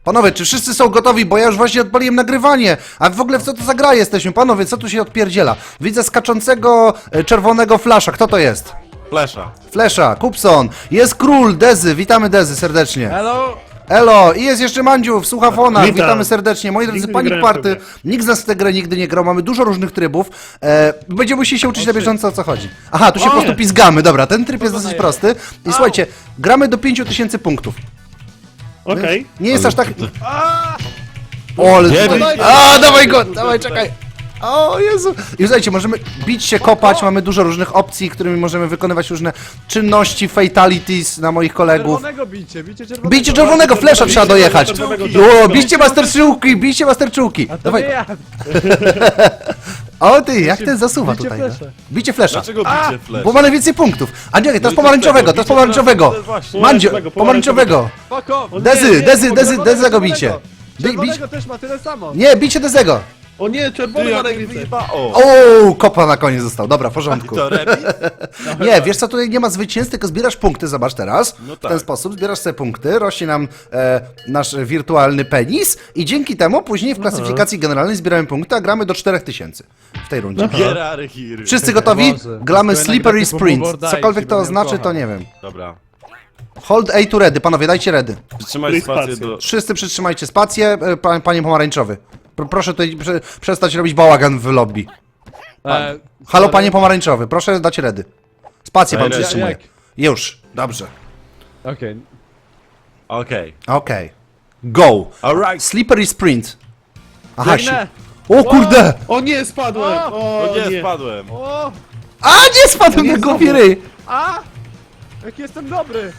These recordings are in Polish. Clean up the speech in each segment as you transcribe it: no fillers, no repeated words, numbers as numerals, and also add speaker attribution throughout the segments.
Speaker 1: Panowie, czy wszyscy są gotowi? Bo ja już właśnie odpaliłem nagrywanie. A w ogóle w co to za gra jesteśmy? Panowie, co tu się odpierdziela? Widzę skaczącego czerwonego flasza. Kto to jest?
Speaker 2: Flesza.
Speaker 1: Flesza, Kupson. Jest król, Dezy. Witamy Dezy serdecznie.
Speaker 3: Hello!
Speaker 1: Elo, i jest jeszcze Mandziu w słuchafonach.
Speaker 4: Witam.
Speaker 1: Witamy serdecznie. Moi drodzy,
Speaker 4: Nigdy nie
Speaker 1: Panic
Speaker 4: grałem w
Speaker 1: Party.
Speaker 4: tę grę.
Speaker 1: Nikt z nas w tę grę nigdy nie grał. Mamy dużo różnych trybów. Będziemy musieli się uczyć na bieżąco, o co chodzi. Aha, tu się po prostu pizgamy. Dobra, ten tryb jest dosyć prosty. I słuchajcie, gramy do 5000 punktów.
Speaker 4: Okej.
Speaker 1: Nie jest aż tak... O, ale
Speaker 2: Nie
Speaker 1: tutaj...
Speaker 2: bij się.
Speaker 1: A, dawaj go, dawaj, czekaj. O Jezu. I słuchajcie, możemy bić się, kopać, mamy dużo różnych opcji, którymi możemy wykonywać różne czynności, fatalities na moich kolegów.
Speaker 3: Czerwonego bijcie, bijcie czerwonego.
Speaker 1: Bijcie czerwonego, flesza trzeba dojechać.
Speaker 4: czerwonego.
Speaker 1: O, bijcie masterczułki, bijcie masterczułki.
Speaker 3: A to
Speaker 1: Dawaj.
Speaker 3: nie ja.
Speaker 1: O ty, jak ten zasuwa
Speaker 3: Bijcie
Speaker 1: tutaj. No.
Speaker 3: flesza.
Speaker 1: Bijcie flesza.
Speaker 2: Dlaczego bicie Flesz?
Speaker 1: Bo ma najwięcej punktów. A nie, to jest
Speaker 2: i
Speaker 1: pomarańczowego, to jest pomarańczowego.
Speaker 2: to jest właśnie.
Speaker 1: Mandzio,
Speaker 4: Pomarańczowego,
Speaker 1: pomarańczowego.
Speaker 3: Fuck off.
Speaker 1: Dezy, Dezy, Dezy,
Speaker 3: Czerwonego,
Speaker 1: Dezego bijcie.
Speaker 3: czerwonego. Czerwonego też ma tyle samo.
Speaker 1: Nie, bijcie Dezego.
Speaker 4: O nie, czerwony
Speaker 2: Ty,
Speaker 4: ma
Speaker 2: jak mnie
Speaker 4: najwięcej.
Speaker 2: wyjeba- O!
Speaker 1: O, kopa na koniec został. Dobra, w porządku.
Speaker 2: To remis?
Speaker 1: Nie, wiesz co, tutaj nie ma zwycięstw, tylko zbierasz punkty, zobacz teraz.
Speaker 2: No
Speaker 1: W ten
Speaker 2: tak.
Speaker 1: sposób zbierasz sobie punkty, rośnie nam nasz wirtualny penis i dzięki temu później w klasyfikacji generalnej zbieramy punkty, a gramy do 4000 w tej rundzie.
Speaker 2: Gerary Hiry.
Speaker 1: Wszyscy gotowi?
Speaker 3: Boże.
Speaker 1: Gramy
Speaker 3: Tylko
Speaker 1: Slippery
Speaker 3: jednak
Speaker 1: Sprint.
Speaker 3: typu Bordajci,
Speaker 1: Cokolwiek to
Speaker 3: bo mnie
Speaker 1: oznaczy,
Speaker 3: kocha.
Speaker 1: to nie wiem.
Speaker 2: Dobra.
Speaker 1: Hold A to ready, panowie, dajcie ready.
Speaker 2: Przytrzymaj spację
Speaker 4: spację.
Speaker 2: do...
Speaker 1: Wszyscy przytrzymajcie spację, panie pomarańczowy. Proszę tutaj przestać robić bałagan w lobby. Halo, panie pomarańczowy, proszę dać ready. Spację pan
Speaker 2: Daj ready.
Speaker 1: przytrzymuje.
Speaker 3: Jak?
Speaker 1: Już, dobrze.
Speaker 3: Okej.
Speaker 2: Okej.
Speaker 1: Okej. Go.
Speaker 2: Alright.
Speaker 1: Slippery Sprint. Aha,
Speaker 3: Biegnę.
Speaker 1: O kurde!
Speaker 4: O nie, spadłem! O
Speaker 2: No nie,
Speaker 4: nie.
Speaker 2: spadłem.
Speaker 3: O!
Speaker 1: A, nie spadłem na głowie ryj!
Speaker 3: A! Jak jestem dobry!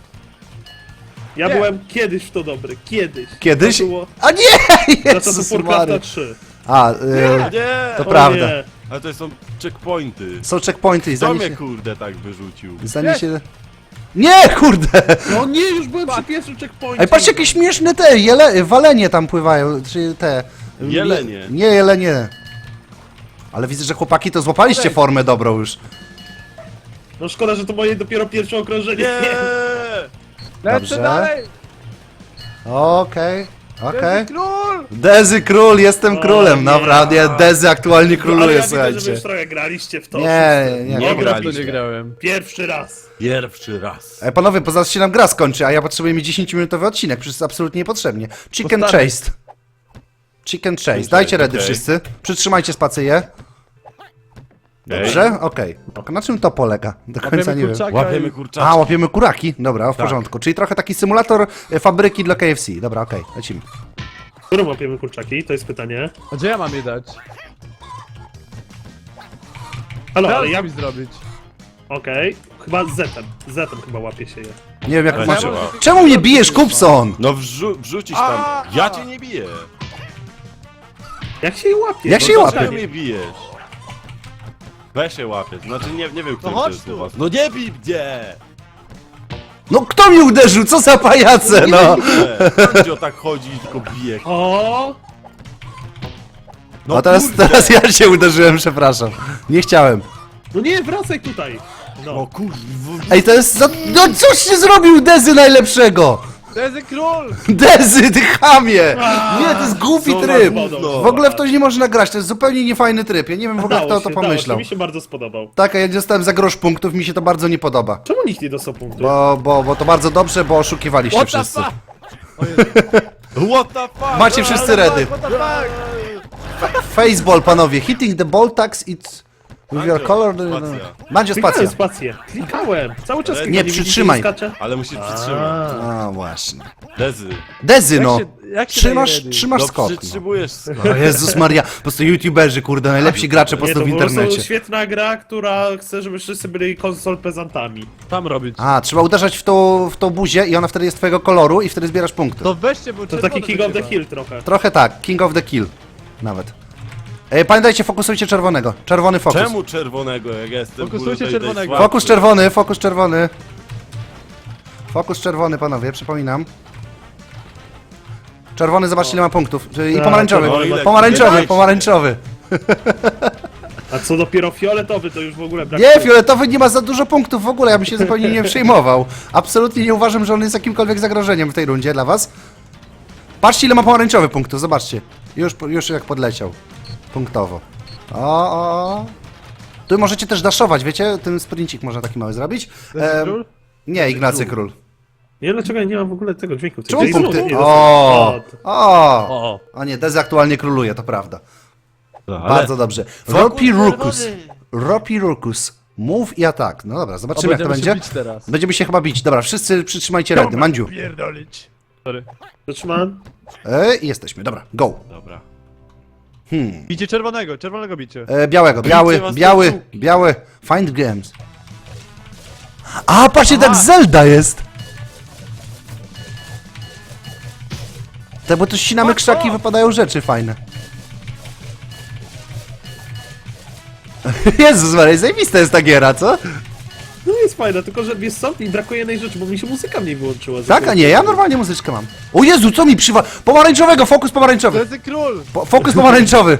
Speaker 4: Ja
Speaker 3: Nie.
Speaker 4: byłem kiedyś w to dobry, kiedyś.
Speaker 1: Kiedyś?
Speaker 4: To było
Speaker 1: A nie!
Speaker 4: za
Speaker 1: Jezus
Speaker 4: czasów Warcrafta
Speaker 1: Mary.
Speaker 4: 3.
Speaker 1: A,
Speaker 2: Nie!
Speaker 1: to
Speaker 4: O
Speaker 1: prawda.
Speaker 4: nie.
Speaker 2: Ale to są checkpointy.
Speaker 1: Są checkpointy i
Speaker 2: Kto
Speaker 1: zanim
Speaker 2: mnie
Speaker 1: się...
Speaker 2: kurde tak wyrzucił?
Speaker 1: Zanim się... Nie, kurde!
Speaker 4: No nie, już byłem przy pierwszym checkpoincie.
Speaker 1: Ej, patrzcie, jakie śmieszne te walenie tam pływają, czy te...
Speaker 2: Jelenie.
Speaker 1: Nie, jelenie. Ale widzę, że chłopaki to złapaliście formę dobrą już.
Speaker 4: No szkoda, że to moje dopiero pierwsze okrążenie.
Speaker 2: Nie!
Speaker 3: Lecę
Speaker 1: Dobrze.
Speaker 3: dalej!
Speaker 1: Okej, okej.
Speaker 3: Jest król!
Speaker 1: Dezy król, jestem królem,
Speaker 4: nie.
Speaker 1: naprawdę, Dezy aktualnie
Speaker 4: Ale
Speaker 1: króluje,
Speaker 4: ja widzę, że wy
Speaker 1: słuchajcie.
Speaker 4: już trochę graliście w to.
Speaker 1: Nie,
Speaker 4: wszyscy.
Speaker 1: nie,
Speaker 2: Nie
Speaker 1: nie.
Speaker 3: Dobra, w to
Speaker 2: graliśmy.
Speaker 3: nie grałem.
Speaker 4: Pierwszy raz.
Speaker 2: Pierwszy raz.
Speaker 1: Ej, panowie, bo zaraz się nam gra skończy, a ja potrzebuję mieć 10-minutowy odcinek, przecież jest absolutnie niepotrzebnie. Chicken
Speaker 3: Postawię.
Speaker 1: Chase. Chicken Chase, dajcie ready
Speaker 2: okej.
Speaker 1: wszyscy. Przytrzymajcie spację. Dobrze? Okej. Na czym to polega? Do końca
Speaker 3: Łapiemy
Speaker 1: nie wiem.
Speaker 3: kurczaka
Speaker 2: Łapiemy
Speaker 3: i-
Speaker 2: kurczaka.
Speaker 1: A, łapiemy kuraki? Dobra, w
Speaker 2: Tak.
Speaker 1: porządku. Czyli trochę taki symulator fabryki dla KFC. Dobra, okej, lecimy.
Speaker 4: Którą łapiemy kurczaki? To jest pytanie.
Speaker 3: A gdzie ja mam je dać?
Speaker 4: Halo, ale
Speaker 3: Teraz
Speaker 4: ja...
Speaker 3: mi zrobić.
Speaker 4: Okej. Chyba Z-em. Z-em chyba łapie się je.
Speaker 1: Nie wiem jak
Speaker 2: Ale
Speaker 1: masz...
Speaker 2: trzeba.
Speaker 1: Czemu mnie bijesz, Kupson?
Speaker 2: No wrzucisz tam. Ja cię nie biję.
Speaker 4: Jak się je łapie?
Speaker 1: Jak
Speaker 4: No
Speaker 1: się
Speaker 4: to
Speaker 1: łapie?
Speaker 2: Dlaczego
Speaker 4: pytanie.
Speaker 2: mnie bijesz? Weź się łapie. Znaczy nie wiem, który
Speaker 3: chodź
Speaker 2: to jest
Speaker 3: tu.
Speaker 2: u was. No nie bij mnie!
Speaker 1: No kto mnie uderzył? Co za pajace, no?
Speaker 2: Mandzio tak chodzi i tylko bije.
Speaker 4: O!
Speaker 2: No
Speaker 1: A teraz,
Speaker 2: kurde.
Speaker 1: teraz ja się uderzyłem, przepraszam. Nie chciałem.
Speaker 4: No nie, wracaj tutaj.
Speaker 2: No
Speaker 4: No.
Speaker 2: kurwa.
Speaker 1: Ej, to jest za... No coś się zrobił Dezy najlepszego!
Speaker 3: To jest król!
Speaker 1: Dezy, ty chamie! Nie, to jest głupi
Speaker 2: Co za
Speaker 1: tryb!
Speaker 2: gówno.
Speaker 1: W ogóle w to nie można grać, to jest zupełnie niefajny tryb. Ja nie wiem w ogóle kto to pomyślał.
Speaker 4: Mi się bardzo spodobał.
Speaker 1: Tak, a ja dostałem za grosz punktów, mi się to bardzo nie podoba.
Speaker 4: Czemu nikt nie dostał punktu?
Speaker 1: Bo to bardzo dobrze, bo oszukiwaliście
Speaker 3: What the
Speaker 1: wszyscy.
Speaker 3: fuck?
Speaker 2: What the fuck?
Speaker 1: Macie wszyscy ready.
Speaker 3: What the fuck?
Speaker 1: Faceball, panowie. Hitting the ball tags, it's... With your
Speaker 2: Mandzio,
Speaker 1: color...
Speaker 2: spacja.
Speaker 1: Mandzio, spacja.
Speaker 4: Klikałem spację. Klikałem. Cały czas
Speaker 2: Ale
Speaker 4: klikam,
Speaker 1: nie,
Speaker 4: widzicie,
Speaker 1: przytrzymaj.
Speaker 4: skacze?
Speaker 2: Ale musisz przytrzymać.
Speaker 1: A, właśnie.
Speaker 2: Dezy.
Speaker 1: Dezy, no.
Speaker 3: Jak się
Speaker 1: Trzymasz,
Speaker 3: daje ready?
Speaker 1: trzymasz
Speaker 2: No
Speaker 1: skok. No.
Speaker 2: przytrzymujesz skok.
Speaker 1: O Jezus Maria, po prostu youtuberzy, kurde, najlepsi gracze po
Speaker 4: Nie,
Speaker 1: prostu
Speaker 4: to
Speaker 1: w
Speaker 4: po prostu
Speaker 1: internecie.
Speaker 4: świetna gra, która chce, żeby wszyscy byli konsol pezantami.
Speaker 3: Tam robić.
Speaker 1: A, trzeba uderzać w tą buzię i ona wtedy jest twojego koloru i wtedy zbierasz punkty.
Speaker 3: To weźcie, bo
Speaker 4: To taki King of the Hill trochę.
Speaker 1: Trochę tak, King of the Kill. Nawet. Pamiętajcie, fokusujcie czerwonego. Czerwony fokus.
Speaker 2: Czemu czerwonego, jak jestem?
Speaker 3: Fokusujcie
Speaker 2: kurde,
Speaker 3: czerwonego.
Speaker 2: słabszy?
Speaker 1: Fokus czerwony, fokus czerwony. Fokus czerwony, panowie, przypominam. Czerwony, zobaczcie ile ma punktów. I
Speaker 4: Tak,
Speaker 1: pomarańczowy.
Speaker 4: czerwony
Speaker 2: ma-
Speaker 1: Pomarańczowy,
Speaker 2: Dajcie.
Speaker 1: pomarańczowy.
Speaker 4: A co dopiero fioletowy, to już w ogóle brak.
Speaker 1: Nie, fioletowy nie ma za dużo punktów w ogóle, ja bym się zupełnie nie przejmował. Absolutnie nie uważam, że on jest jakimkolwiek zagrożeniem w tej rundzie dla was. Patrzcie, ile ma pomarańczowy punktów, zobaczcie. Już jak podleciał. Punktowo. O. Tu możecie też daszować, wiecie? Ten sprincik można taki mały zrobić.
Speaker 3: Król?
Speaker 1: Nie, Ignacy Król.
Speaker 4: Nie, dlaczego ja nie mam w ogóle tego dźwięku?
Speaker 1: Czemu
Speaker 4: Gdzie
Speaker 1: punkty?
Speaker 4: jest?
Speaker 1: O! A nie, Dezy aktualnie króluje, to prawda.
Speaker 2: Ale
Speaker 1: Bardzo dobrze. Ropi Rukus. Move i atak. No dobra, zobaczymy jak to
Speaker 3: będziemy się
Speaker 1: będzie.
Speaker 3: bić teraz.
Speaker 1: Będziemy się chyba bić. Dobra, wszyscy przytrzymajcie redy. Mandziu.
Speaker 3: Pierdolić. Sorry.
Speaker 4: Zatrzymałem.
Speaker 1: I jesteśmy, dobra, go.
Speaker 2: dobra.
Speaker 3: Bicie czerwonego bicie.
Speaker 1: Białego,
Speaker 2: was
Speaker 1: biały. Find games. A, patrzcie, tak Zelda jest. Tak, bo tu ścinamy krzaki i wypadają rzeczy fajne. Jezus Maria, zajebista jest ta giera, co?
Speaker 4: No jest fajne, tylko że wiesz co, mi brakuje jednej rzeczy, bo mi się muzyka mniej wyłączyła.
Speaker 1: Tak, a nie, ja normalnie muzyczkę mam. O Jezu, co mi pomarańczowego, fokus pomarańczowy.
Speaker 3: Dezy Król!
Speaker 1: Fokus pomarańczowy.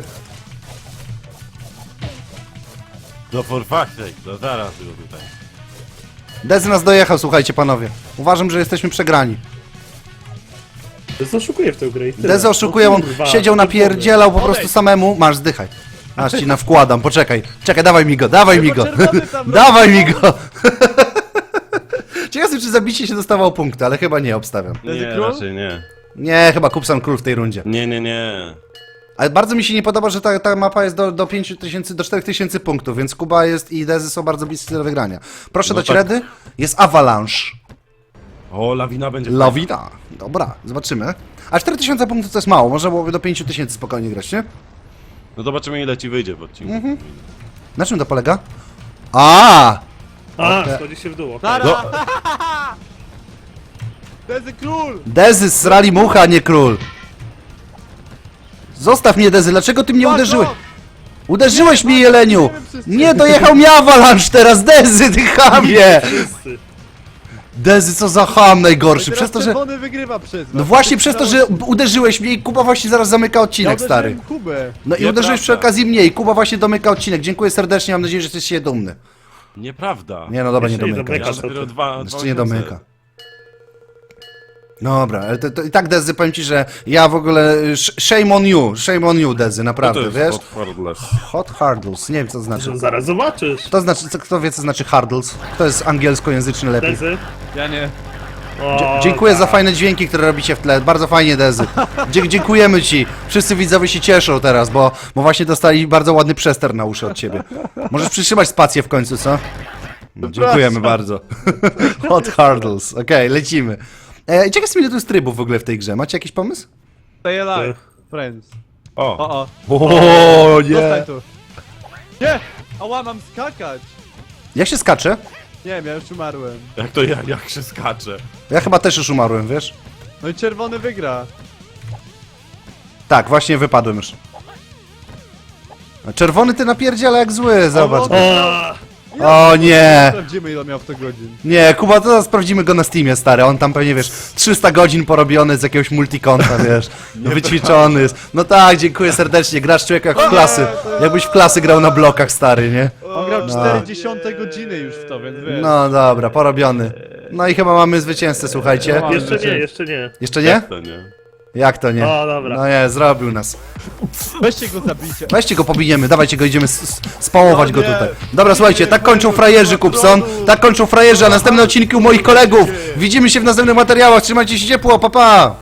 Speaker 2: No for fuck's sake, no zaraz go tutaj.
Speaker 1: Dezy nas dojechał, słuchajcie panowie. Uważam, że jesteśmy przegrani.
Speaker 4: To oszukuje w tę grę i tyle.
Speaker 1: Dezy oszukuje,
Speaker 4: O
Speaker 1: on
Speaker 4: kurwa,
Speaker 1: siedział, napierdzielał po prostu samemu. Masz, zdychaj. Aż ci nawkładam, poczekaj. Czekaj, dawaj mi go, dawaj mi go.
Speaker 3: czerwony tam
Speaker 1: Dawaj mi go. Ciekawe, czy zabicie się dostawał punkty, ale chyba nie, obstawiam.
Speaker 2: Nie,
Speaker 3: Dezy Król?
Speaker 2: raczej nie.
Speaker 1: Nie, chyba Kupson Król w tej rundzie.
Speaker 2: Nie.
Speaker 1: Ale bardzo mi się nie podoba, że ta mapa jest do 5000, do 4000 punktów, więc Kuba jest i Dezy są bardzo bliscy do wygrania. Proszę
Speaker 2: No
Speaker 1: dać
Speaker 2: tak.
Speaker 1: redy. Jest Avalanche.
Speaker 2: O, lawina będzie
Speaker 1: Lawina. Dobra, zobaczymy. A 4000 punktów to jest mało, można byłoby do 5000 spokojnie grać, nie?
Speaker 2: No zobaczymy ile ci wyjdzie w odcinku.
Speaker 1: Na czym to polega? A!
Speaker 4: schodzi się w dół. okej.
Speaker 3: Nara!
Speaker 2: No.
Speaker 3: Dezy Król!
Speaker 1: Dezy zsrali mucha, a nie król. Zostaw mnie, Dezy, dlaczego ty mnie uderzyłeś? Uderzyłeś mnie, Jeleniu! Nie, dojechał mi Avalanche teraz, Dezy, ty chamie!
Speaker 4: Wszyscy.
Speaker 1: Dezy, co za ham najgorszy, przez to, że...
Speaker 3: czerwony wygrywa przez was.
Speaker 1: No właśnie przez to, że uderzyłeś mnie i Kuba właśnie zaraz zamyka odcinek,
Speaker 3: ja
Speaker 1: stary.
Speaker 3: uderzyłem Kubę.
Speaker 1: No i
Speaker 2: Nieprawda.
Speaker 1: uderzyłeś przy okazji mnie i Kuba właśnie domyka odcinek. Dziękuję serdecznie, mam nadzieję, że jesteś się dumny.
Speaker 2: Nieprawda.
Speaker 1: Nie no dobra, nie
Speaker 4: Jeszcze nie
Speaker 1: domyka.
Speaker 4: domyka.
Speaker 2: Ja dopiero dwa
Speaker 1: Jeszcze nie domyka. Dobra, ale to i tak Dezy, powiem ci, że ja w ogóle... Shame on you, Dezy, naprawdę, wiesz? Hot hurdles, nie wiem co to znaczy.
Speaker 4: No zaraz zobaczysz.
Speaker 1: To znaczy, kto wie co znaczy hurdles? To jest angielskojęzyczny lepiej.
Speaker 4: Dezy.
Speaker 3: Ja nie.
Speaker 4: O,
Speaker 1: Dziękuję za
Speaker 4: tak.
Speaker 1: fajne dźwięki, które robicie w tle. Bardzo fajnie, Dezy. Dziękujemy ci. Wszyscy widzowie się cieszą teraz, bo właśnie dostali bardzo ładny przester na uszy od ciebie. Możesz przytrzymać spację w końcu, co? No, dziękujemy bardzo. Hot hurdles. Okej, lecimy. Ciekaw jestem, ile tu jest trybów w ogóle w tej grze. Macie jakiś pomysł?
Speaker 3: Stay alive. Friends.
Speaker 2: O,
Speaker 3: O.
Speaker 1: O
Speaker 3: Zostań tu. Nie! Ała, mam skakać.
Speaker 1: Jak się skacze?
Speaker 3: Nie wiem, ja już umarłem.
Speaker 2: jak to jak się skacze.
Speaker 1: Ja chyba też już umarłem, wiesz?
Speaker 3: No i czerwony wygra.
Speaker 1: Tak, właśnie wypadłem już. A czerwony ty napierdziela jak zły, zobacz. O nie!
Speaker 3: Sprawdzimy, ile miał w to godzin.
Speaker 1: Nie, Kuba, to zaraz sprawdzimy go na Steamie, stary. On tam pewnie, wiesz, 300 godzin porobiony z jakiegoś multikonta, wiesz. Wyćwiczony jest. No tak, dziękuję serdecznie. Grasz człowiek jak w klasy. Jakbyś w klasy grał na blokach, stary, nie?
Speaker 3: On grał 40 godziny już w to, więc wiesz.
Speaker 1: No dobra, porobiony. No i chyba mamy zwycięzcę, słuchajcie.
Speaker 4: Jeszcze nie, jeszcze nie.
Speaker 1: Jeszcze nie?
Speaker 2: To nie.
Speaker 1: Jak to nie?
Speaker 4: O, dobra.
Speaker 1: No nie, zrobił nas.
Speaker 3: Weźcie go zabicie.
Speaker 1: Weźcie go, pobijemy, dawajcie go, idziemy spałować
Speaker 3: No
Speaker 1: go
Speaker 3: nie.
Speaker 1: tutaj. Dobra, słuchajcie, tak kończą frajerzy, Kupson. Tak kończą frajerzy, a następne odcinki u moich kolegów. Widzimy się w następnych materiałach, trzymajcie się ciepło, pa pa!